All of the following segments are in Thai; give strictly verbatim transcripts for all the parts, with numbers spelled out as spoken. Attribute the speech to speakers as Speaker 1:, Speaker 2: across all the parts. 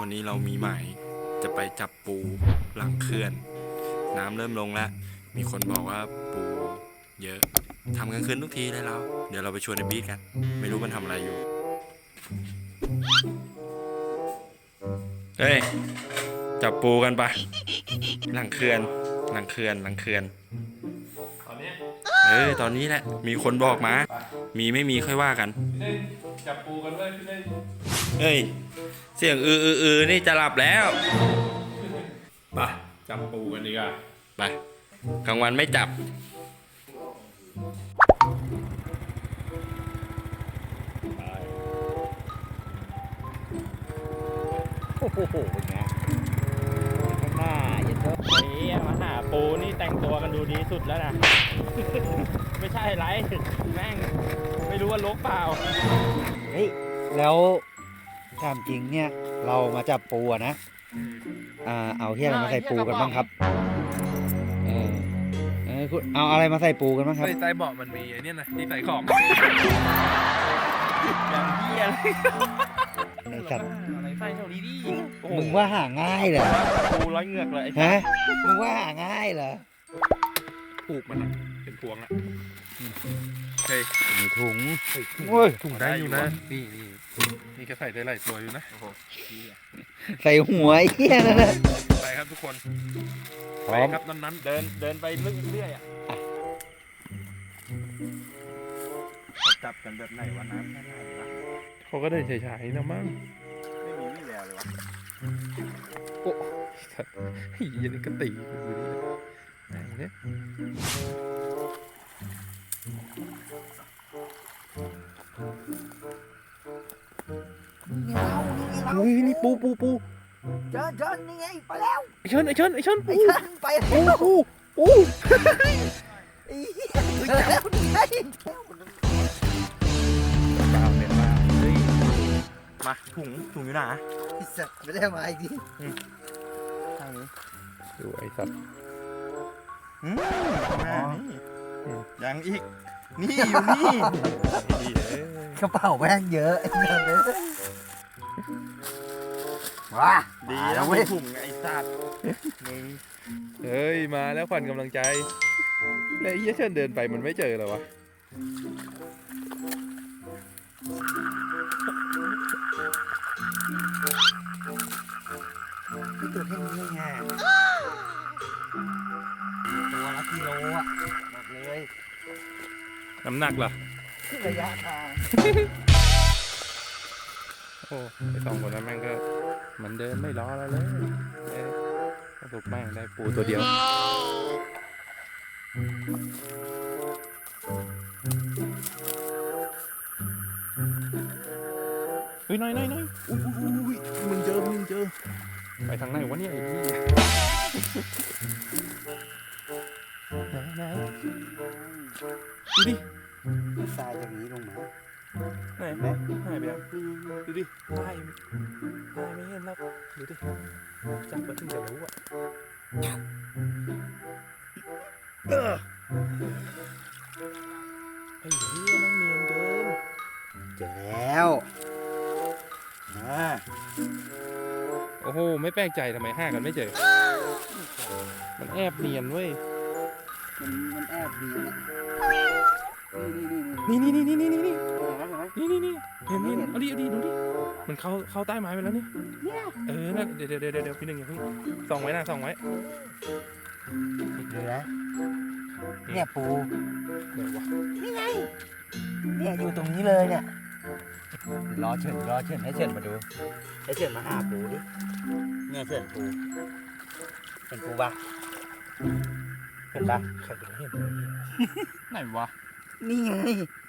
Speaker 1: นี้เรามีหมายจะไปจับปูหลังเขื่อน น้ำเริ่มลงแล้ว มีคนบอกว่าปูเยอะทำกลางคืนทุกทีเลยเราเดี๋ยวเราไปชวนไอ้บีทกัน ไม่รู้มันทำอะไรอยู่ เฮ้ย จับปูกันปะหลังเขื่อนหลังเขื่อนหลังเขื่อนตอนนี้เออตอนนี้แหละมีคนบอกมา มีไม่มีค่อยว่ากันจับปูกันเลยพี่เล่นเฮ้ยเสียงอืออืออือนี่จะหลับแล้วไปจับปูกันดีกว่าไปกลางวันไม่จับ
Speaker 2: โอ้โหเป็นไงข้างหน้าอย่าเถอะนี่มาหาปูนี่แต่งตัวกันดูดีสุดแล้วนะ ไม่ใช่ไรแม่งไม่รู้ว่าลกเปล่า
Speaker 3: เฮ้ยแล้วถามจริงเนี่ยเรามาจับปูอะนะอ่าเอาที่อะไรมาใส่ปูกันบ้างครับเออเออคุณเอาอะไรมาใส่ปูกันบ้างครับ
Speaker 4: ใต้เบาะมันมีไอ้นี่นะที่ใส่ของอย่างเหี้ยเลย
Speaker 3: ไอ้สัตว์
Speaker 4: อะไรใส่เท่านี้ดิ
Speaker 3: มึงว่าหาง่ายเหรอ
Speaker 2: ปูร้อยเหงือกเลย
Speaker 3: ฮะมึงว่าหาง่ายเหรอ
Speaker 4: ปลูกมันอะเป็นพวงอะเฮ้ย
Speaker 3: มีถุงโอ้ย
Speaker 4: ถุงได้อยู่นะนี่นี่นี่ก็ใส่ได้หลายตัวอยู่นะ
Speaker 3: ใส่หัวไอ้เหี้ยนั่นแหละ
Speaker 4: ไปครับทุกคน
Speaker 3: พ
Speaker 4: ไป
Speaker 3: ร้อม
Speaker 4: ครับนั้นๆ
Speaker 2: เดินเดินไปเรื่อยๆอ่ะจับกันแบบไหนวะน้ำแค่ไหนวะ
Speaker 4: เขาก็เดินเฉยๆนะมั้ง
Speaker 2: ไม่มีวี่แววเลยวะ
Speaker 4: โอ้ยยันก็ตีอยู่นี่ไหนเนี่ย
Speaker 3: เฮ้ยนี่ปูปูปู
Speaker 5: เชิญเชิญนี่ไงไปแล้ว
Speaker 4: ไอเชิญไอเชิญไอเชิญ
Speaker 5: ไอ้
Speaker 4: ปู
Speaker 5: เชิญไป
Speaker 4: ปู
Speaker 5: แล้ว
Speaker 4: ปูปู
Speaker 5: ไอ้เหี้ยเจอแล้วนี่ไง
Speaker 4: ดาวเนี่ยมาเฮ้ย
Speaker 2: มาถุงถุงอยู่ไหน
Speaker 5: ไอ้สัตว์ไม่ได้มาอีกที
Speaker 4: ดูไอสัตว์
Speaker 2: อืมยังอีกนี่อยู่นี่
Speaker 4: ดีเอ้ย
Speaker 5: กระเป๋าแม่งเยอะไอ้เงินเลยว้า
Speaker 2: ดี
Speaker 5: มา
Speaker 2: แล้
Speaker 5: แล้ว ว
Speaker 2: ไม่
Speaker 5: เว้ย
Speaker 2: ถุงไอ้สัตว์มึง
Speaker 4: เฮ้ยมาแล้วขวัญกำลังใจแล้วไอ้เหี้ยเชิญเดินไปมันไม่เจอเหรอวะ
Speaker 5: นี่ตัวแค่นี้ไงตัวละกิโลอ่ะบอกเลย
Speaker 4: น้ำหนักเหรอ
Speaker 5: ระยะทาง
Speaker 4: โอ้ไอสองคนนั้นแม่งก็มันเดินไม่รอแล้วเลยเอ้ยสรุปแม่งได้ปูตัวเดียวเฮ้ยน้อยน้อยน้อยอุ้ยอุ้ยอุ้ยมึงเจอมึงเจอไปทางไหนวะเนี่ยไอ้ที่ไหนไหนดูดิ
Speaker 5: ทรายอย่างนี้ลงมา
Speaker 4: ไหนไหนหายไปแล้วดูดิหายหายไม่เห็นแล้วดูดิจับมาถึงจะรู้อ่ะเออไอ้เหี้ยแม่งเนียนเกิน
Speaker 5: เจอแล้วอ่า
Speaker 4: โอ้โหไม่แปลกใจทำไมห้ากันไม่เจอมันแอบเนียนเว้ย
Speaker 5: มันมันแอบดีนะ
Speaker 4: นี่นี่นี่นี่นี่นี่นี่
Speaker 5: นี่นี่
Speaker 4: นี่นี่นี่เห็นนี่เอาดิเอาดิดูดิมันเข้าเข้าใต้ไม้ไปแล้วนี่เออนั่นเดี๋ยวเดี๋ยวเดี๋ยวเดี๋ยวพี่หนึ่งอย่าเพิ่งส่องไว้นะส่องไว้
Speaker 5: เดี๋ยวนะเนี่ยปู
Speaker 4: เดี๋ยววะ
Speaker 5: นี่ไงเนี่ยอยู่ตรงนี้เลยเนี่ยรอเฉินรอเฉินให้เฉินมาดูให้เฉินมาหาปูดิเนี่ยเฉินปูเห็นปูปะเห็นปะ
Speaker 4: ใครจะเห็นไหนวะ
Speaker 5: นี่ไง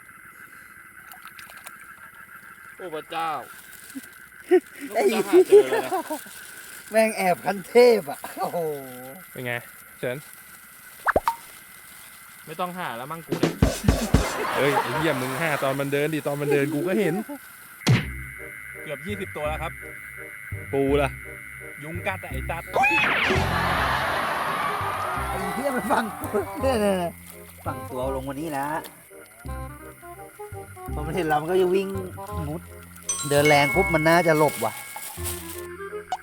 Speaker 4: โอ้พระเจ้า
Speaker 5: ไอ้
Speaker 4: แล้วกูจะหาเจอเลยนะ
Speaker 5: แม่งแอบคันเทพอ่ะโอ้โห
Speaker 4: เป็นไงเฉินไม่ต้องหาแล้วมั่งกูเนี่ยเฮ้ยไอ้เหี้ยมึงหาตอนมันเดินดิตอนมันเดินกูก็เห็นเกือบยี่สิบตัวแล้วครับ ปูล่ะยุงกัดอะไอ้ตัด
Speaker 5: ไอ้เหี้ยมันฟังเนี่ยเนี่ยเนี่ยฝั่งตัวลงวันนี้นะพอมันเห็นเรามันก็จะวิ่งมุด เดินแรงปุ๊บมันน่าจะหลบว่ะ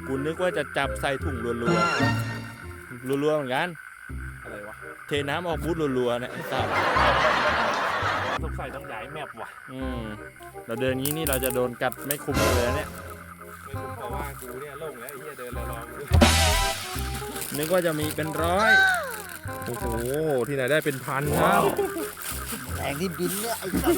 Speaker 1: กูนึกว่าจะจับใส่ถุงรัวๆรัวๆเหมือนกัน
Speaker 4: อะไรวะ
Speaker 1: เทน้ำออกบูธรัวๆเนี่ยไอ้สัส
Speaker 4: สงสัยต้องย้ายแมปว่ะ
Speaker 1: อืมเราเดินงี้นี่เราจะโดนกัดไม่คุ้มเลยนะเนี่ย
Speaker 4: ไม่คุ้มเพราะว่ากูเนี่ยโล่งแล้วไอ้เหี้ยเดินรอๆกู
Speaker 1: นึกว่าจะมีเป็นร้อย
Speaker 4: โอ้โหที่ไหนได้เป็นพันครับ
Speaker 3: แรงที่บินเนี่ยไอ้สัส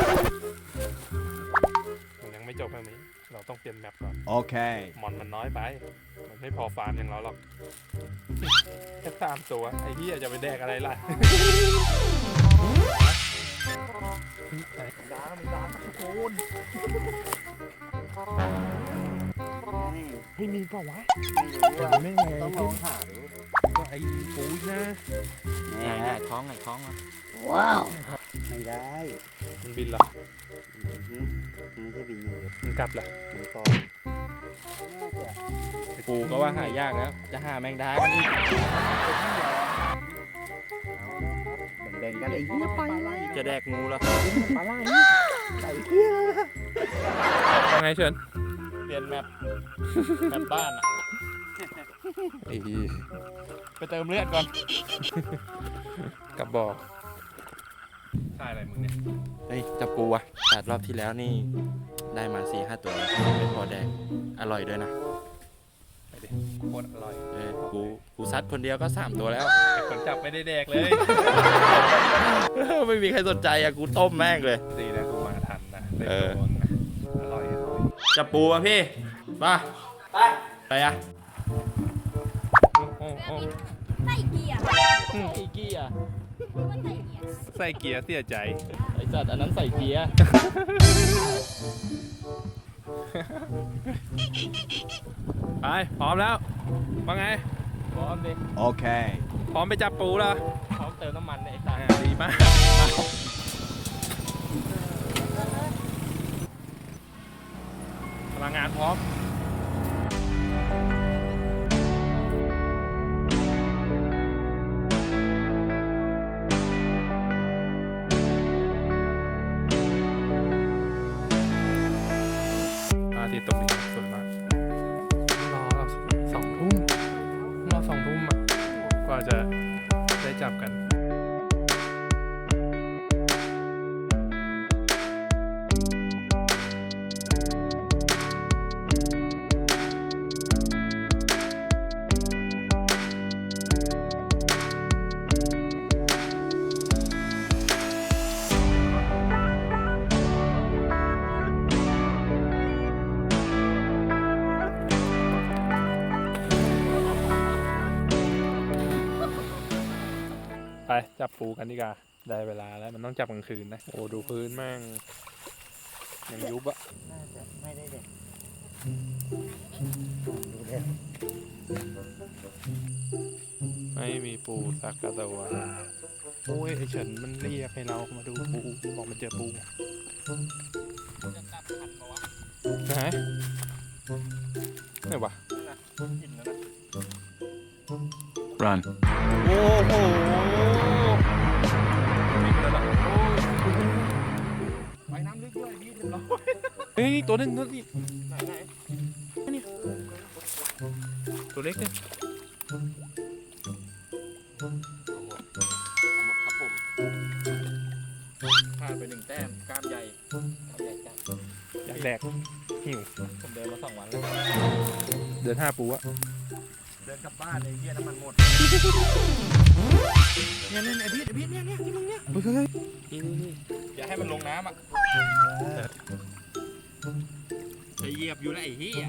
Speaker 4: มันยังไม่จบแค่นี้เราต้องเปลี่ยนแมปก่อน
Speaker 3: โอเค
Speaker 4: มอนมันน้อยไป มันไม่พอฟาร์มอย่างเราหรอก แค่สามตัวไอ้เหี้ยจะไปแดกอะไรล่ะดามันดาตะโกนไม่มีเปล่าวะไม่ไง
Speaker 3: ต้องลองหาดู
Speaker 4: ก็ไอ้ปูอีกนะ
Speaker 1: ไงไงท้องไงท้องอ่ะ
Speaker 3: ว้าวไม่ได้
Speaker 4: มันบินเหรอ
Speaker 3: อื้อหือมันไม่ใช่บินอยู่
Speaker 4: มันกลับเหรอ
Speaker 3: มันก่อนน่าจะ
Speaker 1: ปูก็ว่าหายากแล้ว จะหาแมงดากันอีก
Speaker 3: แบ่งๆกันไอ้เหี้ยไปเลย
Speaker 1: จะแดกงูแล้ว
Speaker 3: ปลาไหลใส่เหี้ย
Speaker 4: ยังไงเชิญ
Speaker 1: เปลี่ยนแมปแมปบ้านอะ
Speaker 4: ไอ้
Speaker 1: ไปเติมเลือดก่อน
Speaker 4: กับบอกใช่อะไรมึงเนี่ย
Speaker 1: เฮ้ยจะปูอะตัดรอบที่แล้วนี่ได้มาสี่ห้าตัวเป็นพอแดงอร่อยด้วยนะ
Speaker 4: ไปดิโคตรอร่อย
Speaker 1: เออกูกูซัดคนเดียวก็สามตัวแล้ว
Speaker 4: ไอ้คนจับไม่ได้แดกเลย
Speaker 1: ไม่มีใครสนใจอะกูต้มแม่งเลย
Speaker 4: ดีนะกูมาทันนะได้
Speaker 1: เออ
Speaker 4: โดนนะอร่อยอร่อย
Speaker 1: จะปูอะพี่มาไปไปอะ
Speaker 4: โอ้โอ้
Speaker 6: ใส่เกียร์
Speaker 1: อีกี้อะ
Speaker 6: ว่าใส่เกียร์
Speaker 4: ใส่เกียร์เสียใจ
Speaker 1: ไอสัตว์อันนั้นใส่เกียร์
Speaker 4: ไปพร้อมแล้วว่าไง
Speaker 1: พร้อมดิ
Speaker 3: โอเค
Speaker 4: พร้อมไปจับปูแล้ว
Speaker 1: พร้อมเติมน้ำมันเนี่ยไอ้ตา
Speaker 4: อ่าดีมากพลังงานพร้อมพระอาทิตย์ตกดินสวยมากรอสองทุ่มรอสองทุ่มอ่ะกว่าจะได้จับกัน ไปจับปูกันดีกว่าได้เวลาแล้วมันต้องจับกลางคืนนะโอ้ดูพื้นแม่งยังยุบอะ
Speaker 3: น่าจะไม่ได้เด็กดูเด็ก
Speaker 4: ไม่มีปูสักกระตัวโอ้ยไอเฉินมันเรียกให้เรามาดูปูบอกมันเจอปูไหนไหนวะ
Speaker 5: run
Speaker 1: โอ้โห
Speaker 4: ไปน้ำลึกด้วยพี่เรียบร้อยเฮ้ยตัวนึงตัวนี้ไหนไหนนี่ตัวเล็กเนี่ย
Speaker 1: หมดครับผมพลาดไปหนึ่งแต้มกล้ามใหญ่กล้ามใหญ่จัง
Speaker 4: อยากแดกหิว
Speaker 1: ผมเดินมาสองวันแล้ว
Speaker 4: เดินห้าปูอะ
Speaker 1: เดินกลับบ้านเลยเฮียน้ำมันหมดเนี่ยเนี่ยไอพีทไอพีทเนี่ยเนี่ยที่มึงเนี่ย
Speaker 4: เฮ้ย
Speaker 1: นี่นี่นี่อย่าให้มันลงน้ำอ่ะจะเหยียบอยู่นะไอ้เฮีย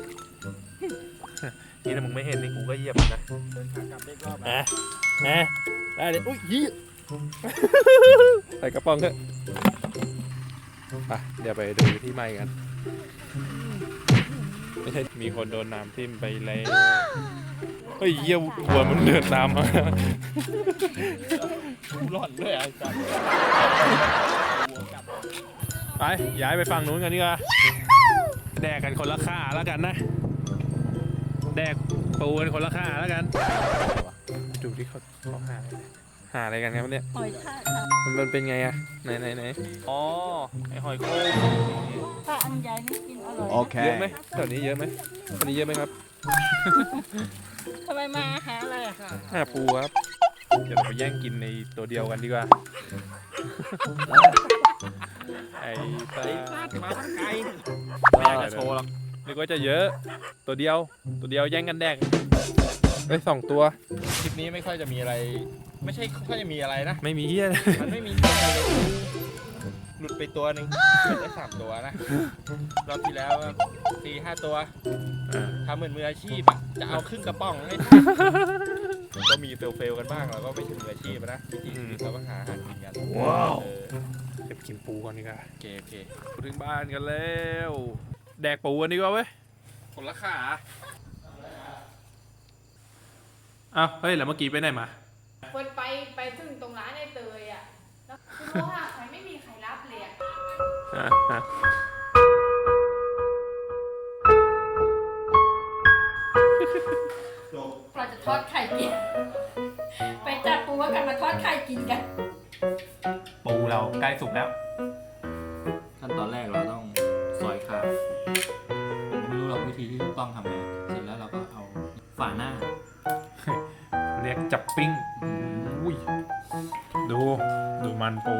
Speaker 4: นี่ถ้ามึงไม่เห็นนี่กูก็เหยียบนะ
Speaker 1: เดินขากลับได้รอบ
Speaker 4: แหมแหมได้เลยอุ้ยยี่ใส่กระป๋องเถอะไปเดี๋ยวไปดูที่ใหม่กันไม่ใช่มีคนโดนน้ำทิ่มไปแล้วเฮ้ยเยี่ยวัวมันเดือดน้ำมา
Speaker 1: กูร้อนด้วยไอ้สัส
Speaker 4: ไปย้ายไปฝั่งนู้นกันดีกว่าแดกกันคนละค่าแล้วกันนะแดกปูกันคนละค่าแล้วกันดูที่เขาเขาหาหาอะไรกันครับเนี่ย
Speaker 6: หอยทากค่ะ
Speaker 4: มันมันเป็นไงอะไหนไหนไหนอ๋อไอหอยโข่ง
Speaker 6: ถ้าอันใหญ่นี่กินอ
Speaker 4: เยอะไหมแถวนี้เยอะไหมแถวนี้เยอะไหมครับ
Speaker 2: ทำไมมาหาอะไรอ่ะ
Speaker 4: หาปูครับ เดี๋ยวเราไปแย่งกินในตัวเดียวกันดีกว่า ไอ้ตา
Speaker 2: มาไกล
Speaker 4: ไม่อยากจะโชว์หรอกนึกว่าจะเยอะ ตัวเดียว ตัวเดียวแย่งกันแดกเอ้ยสองตัว
Speaker 2: คลิปนี้ไม่ค่อยจะมีอะไร ไม่ใช่ค่อยจะมีอะไรนะ
Speaker 4: ไม่มีเฮียเลย
Speaker 2: มันไม่มีเรื่องอะไรเลยหลุดไปตัวหนึ่งเป็นได้สามตัวนะ รอบที่แล้วสี่ห้าตัว
Speaker 4: อ่า
Speaker 2: ทำเหมือนมืออาชีพอะจะเอาครึ่งกระป๋องให้ ก็มีเฟลๆกันบ้างเราก็ไม่ใช่มืออาชีพอะนะจริงๆเราก็หาอาหารกินกันว้าว
Speaker 4: เก็บกินปูก่อนดีกว่า
Speaker 2: โอเคโอเค
Speaker 4: ถึงบ้านกันแล้ว แดกปูกันดีกว่าเว้ย
Speaker 2: คนละขา
Speaker 4: อ้าวเฮ้ยแล้วเมื่อกี้ไปไหนมา
Speaker 7: คนไปไปถึงตรงร้านไอ้เตยอ่ะ แล้วคือโทรหาใครไม่มีใครรับเลยอ่ะ
Speaker 4: อ่ะอ่ะ
Speaker 6: เราจะทอดไข่กิน ไปจับปูว่ากันมาทอดไข่กินกัน
Speaker 4: ปูเราใกล้สุกแล้ว
Speaker 5: ขั้นตอนแรกเราต้องซอยขาผมไม่รู้หรอกวิธีที่ถูกต้องทำไงเสร็จแล้วเราก็เอาฝาหน้า
Speaker 4: เรียกจับปิ้งอุ้ยดู ดูมันปู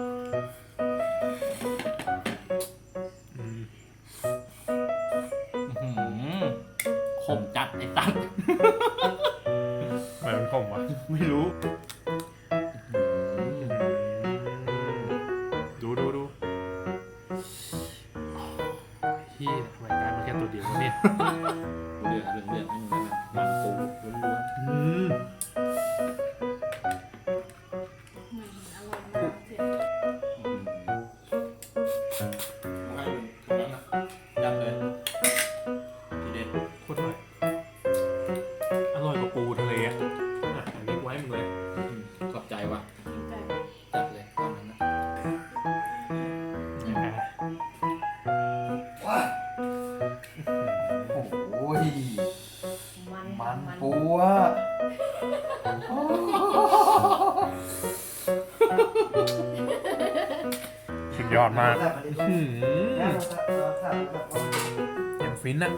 Speaker 4: อืม
Speaker 5: อื้อหือขมจัดไอ้ตัด
Speaker 4: ทำไมมันขมวะ
Speaker 5: ไม่รู้
Speaker 4: ดูดูดูพี่ทำไมได้มาแค่ตัวเดียววะเนี่ย
Speaker 5: เหลือเหลืองเหลืองๆนี่มันมันปูล้วน
Speaker 4: อืม
Speaker 7: อร่อยมากเผ็ด
Speaker 5: ๆยับเลยทีเด็ด
Speaker 4: โคตรอร่อยอร่อยกว่าปูทะเลอ่ะอ่ะอันนี้ไว้มึงเลย
Speaker 5: ขอบใจว่ะ
Speaker 7: ใจ
Speaker 5: จัดเลยตอนนั้นนะ
Speaker 4: อ่ะ
Speaker 3: โอ้ย
Speaker 7: มัน
Speaker 3: มัน
Speaker 7: มัน
Speaker 3: ปูอะ
Speaker 4: สุดยอดมากอืมอย่างฟินอ่ะ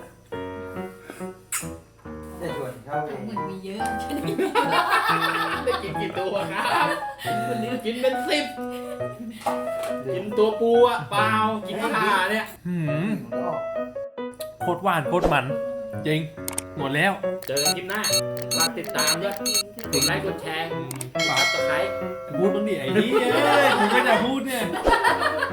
Speaker 3: จะชวนเข้าเอง
Speaker 6: เหมือนมีเยอะใช่ไหม
Speaker 2: ได้กินกี่ตัวครับวันนี้กินเป็นสิบกินตัวปูอะเปล่ากินขาเนี่ย
Speaker 4: หืมโคตรหวานโคตรมัน จริง หมดแล้ว
Speaker 2: เจอกันคลิปหน้าฝากติดตามด้วยกดไลค์กดแชร์ฝากตะไคร้
Speaker 4: พูดบ้างดิไอ้นี่เอ้ยมึงก็จะพูดเนี่ย